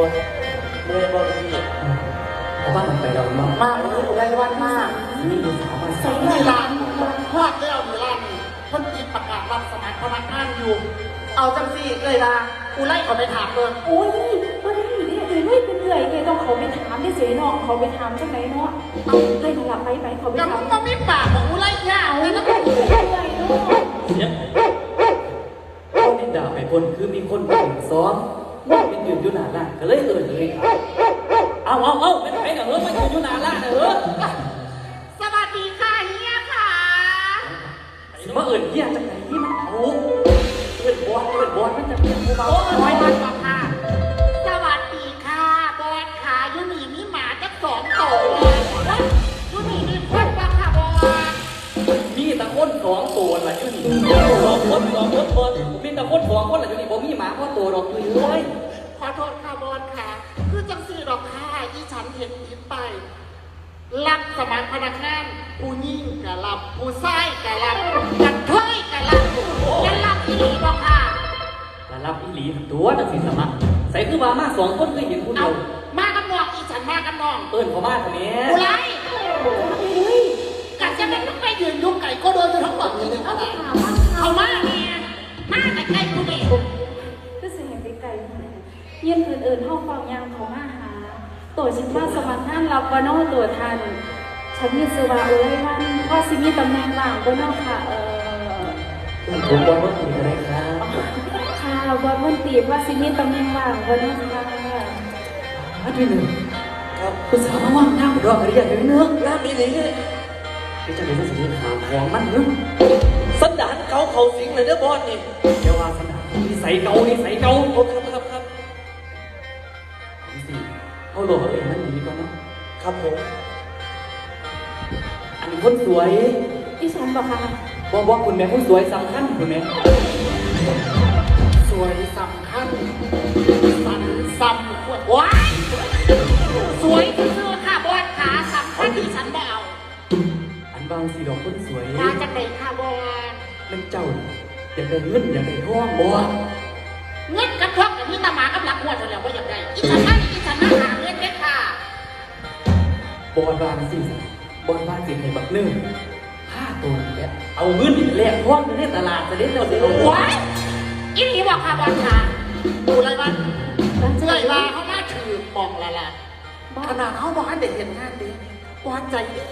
ตัวเมื่อยบ่พี่เพราะว่ามันไปเรามากเลยไรวันมากนี่ดูสาวมาใส่ในร้านพลาดแล้วในร้านคนจีนประกาศรับสมัครพนักงานอยู่เอาจังสิเลยล่ะกูไล่เขาไปถามเลยโอ้ยก็ได้เนี่ยเอ้ยเป็นเอื่อยไงต้องเขาไปถามได้เสียน้องเขาไปถามจังไหนเนาะเอาให้เขาหลับไปเขาไปถามก็ไม่ปากของกูไล่ยาวเลยนะเอื่อยเนาะเขาดินด่าไปคนคือมีคนไปซ้อมเป็นยืนอยู่หน้าร้านก็เลยเลยเอาไม่ไปกับเฮ้ยมายืนอยู่หน้าร้านเฮ้ยสวัสดีค่ะเฮียค่ะมาเฮียจากไหนที่มันเอาเปิดบอลมันจะเป็นผู้เบาน้อยมากกว่าค่ะสวัสดีค่ะบอสขายูนี่มีหมาจัก2 ตัวยูนี่มีคนบ้างค่ะบอสมีตะคน2 ตัวแหละอยู่นี่2 คนมีตะคน2 คนแหละอยู่นี่ผมมีหมาพ่อตัวดอกเลยขอโทษค่ะบอสค่ะคือจังสีดอกค่ะที่ฉันเห็นผิดไปรับสมัครพนักงานผู้ยิ่งกะรับผู้ชายกะรับกันเทยกะรับกันรับที่นี่บอกค่ะแต่รับอีหลีตัวจังสีสมัครใส่คือว่ามา2 คนเคยเห็นผู้เดีเอายวมากับน้องอีฉันมากับน้องเอิ้นเขามาทำไมกูไล่กัดจะเป็นต้องไปยืนยุกไก่ก็โดนจะทั้งหมดเลยเอาละเอามาเนี่ยมาแต่ใกล้กูเด็กก็เสียงไกลๆยืนอื่นห้องฟังยามเขามาหาตัวฉันว่าสมัครงานรับว่านอตัวทันฉันมีสวาเอ้ยว่าสิมีตำแหน่งว่างว่านอค่ะผมบอกว่าคุณอะไรครับค่ะบอสมันตีว่าสิมีตำแหน่งว่างว่านอค่ะอันที่หนึ่งครับคุณสาวมาว่างน้ำรออะไรอย่างนี้เนื้อน้ำนี้นี่พี่จะเป็นสิ่งที่ถามของมันนึกสันดานเขาสิงเลยเด้อบอสนี่เดี๋ยวว่าสันดานนี่ใส่เกาครับสิเขาหลอกเองมันดีกว่านะครับผมอันนี้คนสวยดิฉันบอกค่ะบอกคุณแม่คนสวยสำคัญคุณแม่สวยสำคัญสันสำควรว้ายสวยคือค่ะบอสขาสำคัญที่ฉันไม่เอาอันบางสีดอกคนสวยมาจากไหนค่ะบอสมันเจ้าอยากได้เงินอยากได้ทองบอสเงินกระทบกับพี่ตาหมากับหลักหัวจนแล้วว่าอย่างไรอีฉันมาหาเงินได้ค่ะบอลบานสิบอลบานสิให้บักหนึ่ง5 ตัวนี่แหละเอาเงินแลกทองในตลาดจะได้เราได้ว้ายอีนี่บอกค่ะบอสขาดูอะไรบ้างเสื้อลาเขามาถือมองละละขนาดเขาบอกให้เด็กเห็นงานดีบอสใจดี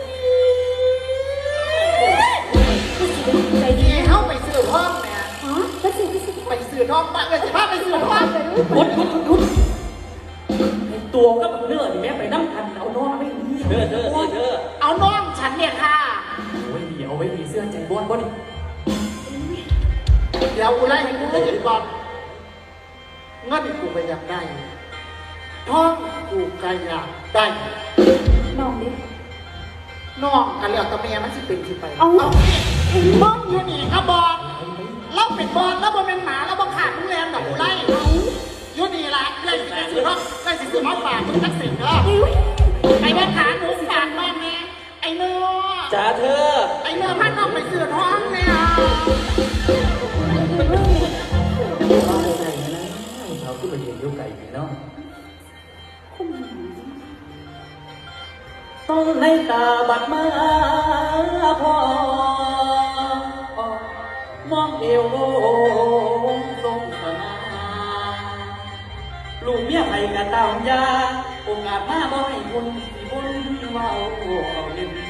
ใจดีดีเขาไปซื้อห้องเนี่ยฮะก็สิไปซื้อห้องไปเลยสิพาไปซื้อห้องพุดในตัวก็แบบเนื้อนี่แม่ไปน้ำพันเอาน้องไม่ดีเธอเอาน้องฉันเนี่ยค่ะโอ้ยเอาไว้ดีเสื้อใจบอลบ่นี่เดี๋ยวกูไล่ให้กูได้ยินก่อนเงินกูก็อยากได้ท้องกูก็อยากได้น้องดิน้องกันแล้วแต่เมียมันสิเป็นสิไปเอาบ้องอยู่นี่ครับบอลเราเป็นบอลแล้วบอลเป็นหมาแล้วบอลขาดมึงแรงกับกูไล่อยู่นี่ละไล่สิซื้อห้องไล่สิซื้อห้องฝากมึงทักษิณเนาะไอ้บอลขาหนูฝากน้องเนี่ยไอ้เนื้อจ้าเธอไอ้เนื้อพันน้องไปซื้อท้องเนี่ยว่าไก่นะเขาก็ไปเห็นลูกไก่เนาะต้องในตาบัดมาพอมองเอวทรงสนาลูกเมียไผกะตามยาโอกาสมาบ่ให้คุณสิบุญเว้าเอาเล่น